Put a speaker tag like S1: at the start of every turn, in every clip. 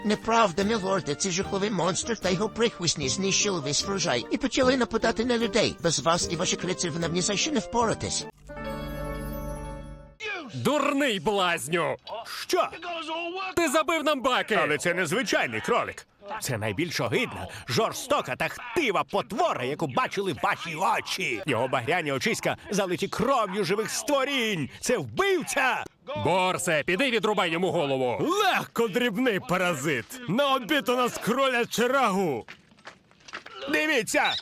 S1: Неправда, мілорде, цей жахливий монстр та його прихвостні знищили весь врожай і почали нападати на людей. Без вас і ваших рицарів нам ні за що не впоратись.
S2: Дурний блазню!
S3: Що?
S2: Ти забив нам баки!
S3: Але це не звичайний кролик. Це найбільш огидна, жорстока та хтива потвора, яку бачили ваші очі. Його багряні очиська залиті кров'ю живих створінь. Це вбивця!
S2: Борсе, піди відрубай йому голову!
S3: Легко, дрібний паразит. На обід у нас кроляче рагу. Дивіться!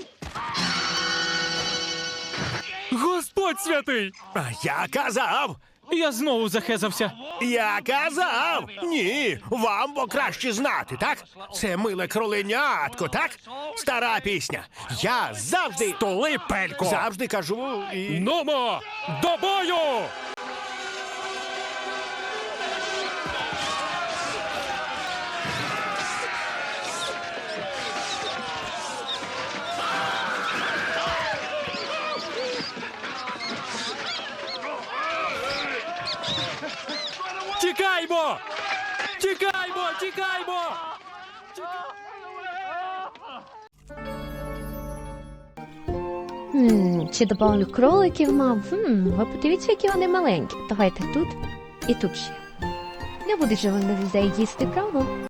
S2: Господь святий!
S3: А я казав!
S2: Я знову захезався.
S3: Я казав! Ні, вам бо краще знати, так? Це миле кроленятко, так? Стара пісня. Я завжди...
S2: Столи, пелько!
S3: Завжди кажу і...
S2: Нумо! До бою! Тікаймо! Тікаймо! Тікаймо!
S4: Чи добавлю кроликів мав? Ви подивіться, які вони маленькі. Давайте тут і тут ще. Не будуть же вони людей їсти, правда?